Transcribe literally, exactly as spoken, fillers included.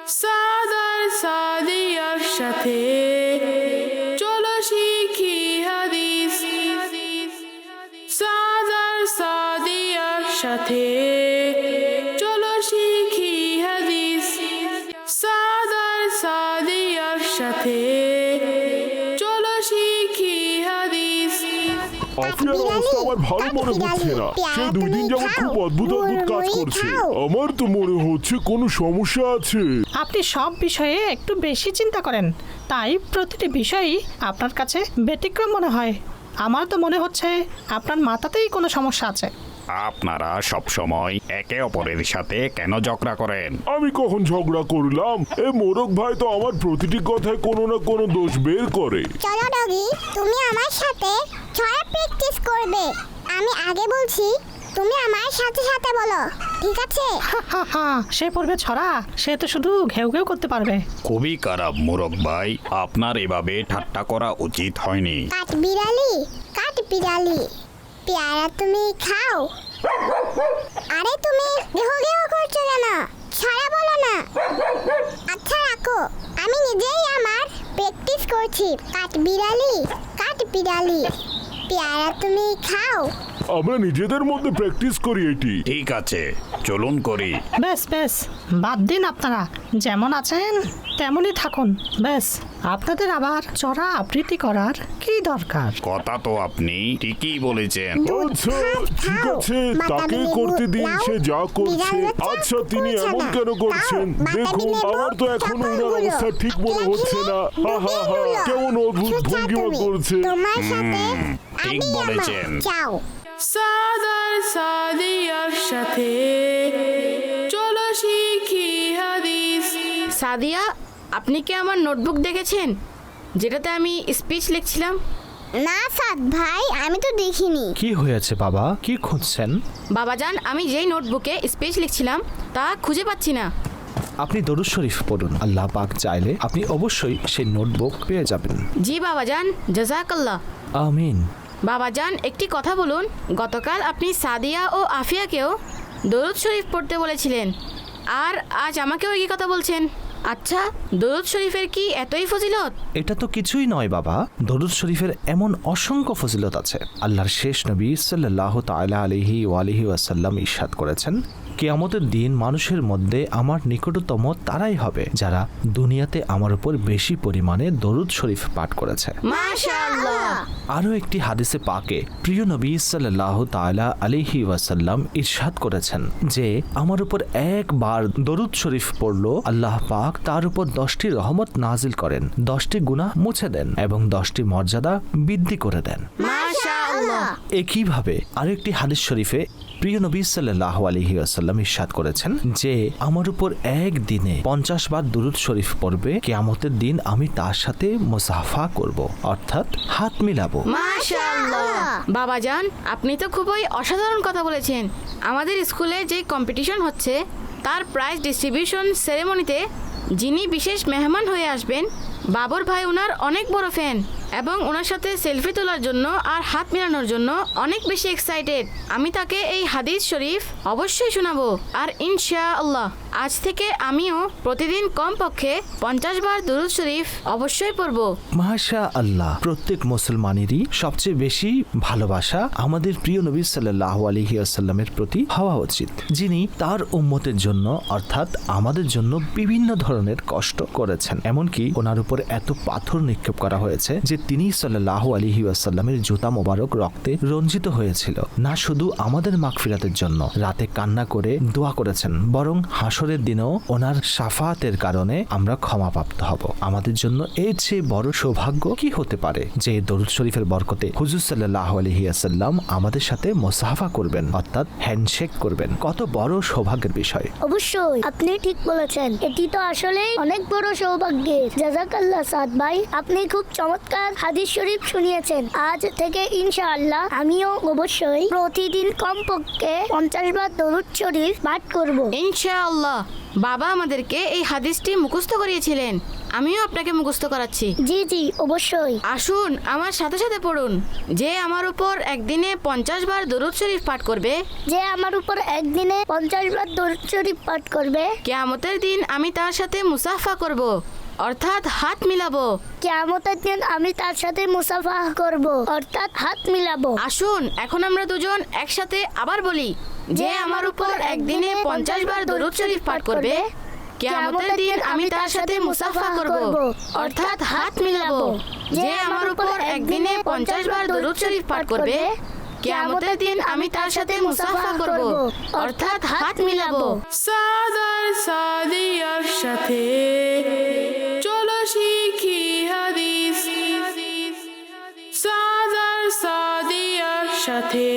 সাদার সাদিয়ার সাথে চলো শিখি হাদিস। সাদার সাদিয়ার সাথে চলো শিখি হাদিস। সাদার সাদিয়ার সাথে চলো শিখি হাদিস। আফিয়ার অবস্থা আমার ভালো মনে হচ্ছে না। সে দুই দিন যাবত খুব অদ্ভুত অদ্ভুত কাজ করছে। আমার তো মনে হচ্ছে কোনো সমস্যা আছে। আপনি সব বিষয়ে একটু বেশি চিন্তা করেন, তাই প্রতিটি বিষয়ই আপনার কাছে ব্যতিক্রম মনে হয়। আমার তো মনে হচ্ছে আপনার মাথাতেই কোনো সমস্যা আছে। আপনারা সব সময় একে অপরের সাথে কেন ঝগড়া করেন? আমি কখন ঝগড়া করলাম? এ মোরক ভাই তো আমার প্রতিটি কথায় কোনো না কোনো দোষ বের করে। চলো ডগি, তুমি আমার সাথে ছড়া প্র্যাকটিস করবে। আমি আগে বলছি, তুমি আমার সাথে সাথে বলো, ঠিক আছে? হা হা হা, সে পড়বে ছড়া, সে তো শুধু ঘেউ ঘেউ করতে পারবে। খুবই খারাপ মোরক ভাই, আপনার এভাবে ঠাট্টা করা উচিত হয়নি। কাঠ বিড়ালি, কাঠ বিড়ালি, পেয়ারা তুমি খাও। আরে তুমি ঘেউ ঘেউ করছো কেন? ছড়া বলো না। আচ্ছা রাখো, আমি নিজেই আমার প্র্যাকটিস করছি। কাঠ বিড়ালি, কাঠ বিড়ালি, পেয়ারা তুমি খাও। আমরা নিজেদের মধ্যে প্র্যাকটিস করি এটি। ঠিক আছে, চলুন করি। বেশ বেশ, বাদ দিন, আপনারা যেমন আছেন তেমনই থাকুন। বেশ, আপনাদের আবার চড়া আবৃত্তি করার কি দরকার? কথা তো আপনি ঠিকই বলেছেন। আচ্ছা ঠিক আছে, তাকে করতে দিন, সে যা করছে। আচ্ছা তিনি এমন কেন করছেন? দেখুন আমার তো এখন ওনার অবস্থা ঠিক মনে হচ্ছে না। হা হা হা, কেমন অদ্ভুত ভঙ্গিমা করছে। তোমার সাথে ঠিক আমি বলেছেন। আমার যাও। সাদার সাদিয়ার সাথে চলো শিখি হাদিস। সাদিয়া, আপনি কি আমার নোটবুক দেখেছেন যেটাতে আমি স্পিচ লিখছিলাম? না সাদ ভাই, আমি তো দেখিনি। কি হয়েছে বাবা, কি খুঁজছেন? বাবাজান, আমি যেই নোটবুকে স্পিচ লিখছিলাম তা খুঁজে পাচ্ছি না। আপনি দরুদ শরীফ পড়ুন, আল্লাহ পাক চাইলে আপনি অবশ্যই সেই নোটবুক পেয়ে যাবেন। জি বাবাজান, জাযাকাল্লাহ। আমিন। বাবাজান, একটি কথা বলুন, গতকাল আপনি সাদিয়া ও আফিয়াকেও দরুদ শরীফ পড়তে বলেছিলেন, আর আজ আমাকেও একই কথা বলছেন। আচ্ছা, দরুদ শরীফের কি এতই ফজিলত? এটা তো কিছুই নয় বাবা, দরুদ শরীফের এমন অসংখ্য ফজিলত আছে। আল্লাহর শেষ নবী সাল্লাল্লাহু তাআলা আলাইহি ওয়া আলিহি ওয়াসাল্লাম ইরশাদ করেছেন, কিয়ামতের দিন মানুষের মধ্যে আমার নিকটতম তারাই হবে যারা দুনিয়াতে আমার উপর বেশি পরিমাণে দরুদ শরীফ পাঠ করেছে। মাশাআল্লাহ। আরও একটি হাদিসে পাকে প্রিয় নবী সাল্লাল্লাহু তাআলা আলাইহি ওয়াসাল্লাম ইরশাদ করেছেন যে আমার উপর একবার দরুদ শরীফ পড়লো, আল্লাহ পাক তার উপর দশটি রহমত নাজিল করেন, দশটি গুনাহ মুছে দেন এবং দশটি মর্যাদা বৃদ্ধি করে দেন। মাশাআল্লাহ। একইভাবে আরেকটি হাদিস শরীফে প্রিয় নবী সাল্লাল্লাহু আলাইহি ওয়াসাল্লাম ইরশাদ করেছেন যে আমার উপর একদিনে পঞ্চাশ বার দুরূদ শরীফ পড়বে, কিয়ামতের দিন আমি তার সাথে মুসাফা করব, অর্থাৎ হাত মিলাবো। মাশাআল্লাহ। বাবাজান, আপনি তো খুবই অসাধারণ কথা বলেছেন। আমাদের স্কুলে যে কম্পিটিশন হচ্ছে তার প্রাইজ ডিস্ট্রিবিউশন সেরেমনিতে যিনি বিশেষ মেহমান হয়ে আসবেন, বাবর ভাই ওনার অনেক বড় ফ্যান এবং ওনার সাথে সেলফি তোলার জন্য আর হাত মেলানোর জন্য অনেক বেশি এক্সাইটেড। আমি তাকে এই হাদিস শরীফ অবশ্যই শোনাবো, আর ইনশাআল্লাহ আজ থেকে আমিও প্রতিদিন কমপক্ষে পঞ্চাশ বার দুরূদ শরীফ অবশ্যই পড়ব। মাশা আল্লাহ। প্রত্যেক মুসলমানেরই সবচেয়ে বেশি ভালোবাসা আমাদের প্রিয় নবী সাল্লাল্লাহু আলাইহি ওয়াসাল্লামের প্রতি হওয়া উচিত, যিনি তার উম্মতের জন্য অর্থাৎ আমাদের জন্য বিভিন্ন ধরনের কষ্ট করেছেন। এমনকি ওনার উপর এত পাথর নিক্ষেপ করা হয়েছে যে তিনি সাল্লাল্লাহু আলাইহি ওয়াসাল্লামের জুতা মোবারক রক্তে রঞ্জিত হয়েছিল। না শুধু আমাদের মাগফিরাতের জন্য রাতে কান্না করে দোয়া করেছেন, বরং হাসরের দিনেও ওনার শাফাতের কারণে আমরা ক্ষমাপ্রাপ্ত হব। আমাদের জন্য এর চেয়ে বড় সৌভাগ্য কি হতে পারে যে দরুদ শরীফের বরকতে হুজুর সাল্লাল্লাহু আলাইহি ওয়াসাল্লাম আমাদের সাথে মুসাফা করবেন, অর্থাৎ হ্যান্ডশেক করবেন। কত বড় সৌভাগ্যের বিষয়। অবশ্যই আপনি ঠিক বলেছেন, এটি তো আসলে অনেক বড় সৌভাগ্যের। জাযাকাল্লাহ সাদ ভাই, আপনি খুব চমৎকার হাদিস শরীফ শুনিয়েছেন। আজ থেকে ইনশাআল্লাহ আমিও অবশ্যই প্রতিদিন কমপক্ষে পঞ্চাশ বার দরুদ শরীফ পাঠ করব। ইনশাআল্লাহ। বাবা আমাদেরকে এই হাদিসটি মুখস্থ করিয়েছিলেন, আমিও আপনাকে মুখস্থ করাচ্ছি। জি জি অবশ্যই। আসুন আমার সাথে সাথে পড়ুন। যে আমার উপর একদিনে পঞ্চাশ বার দরুদ শরীফ পাঠ করবে, যে আমার উপর একদিনে পঞ্চাশ বার দরুদ শরীফ পাঠ করবে, কিয়ামতের দিন আমি তার সাথে মুসাফা করব, অর্থাৎ হাত মিলাবো। কিয়ামতের দিন আমি তার সাথে মুসাফা করব, অর্থাৎ হাত মিলাবো। আসুন এখন আমরা দুজন একসাথে আবার বলি, যে আমার উপর একদিনে পঞ্চাশ বার দরুদ শরীফ পাঠ করবে, কিয়ামতের দিন আমি তার সাথে মুসাফা করব, অর্থাৎ হাত মিলাবো। যে আমার উপর একদিনে পঞ্চাশ বার দরুদ শরীফ পাঠ করবে, কিয়ামতের দিন আমি তার সাথে মুসাফা করব, অর্থাৎ হাত মিলাবো। সাদার সাদিয়ার সাথে চলো শিখি হাদিস, সাদার সাদিয়ার সাথে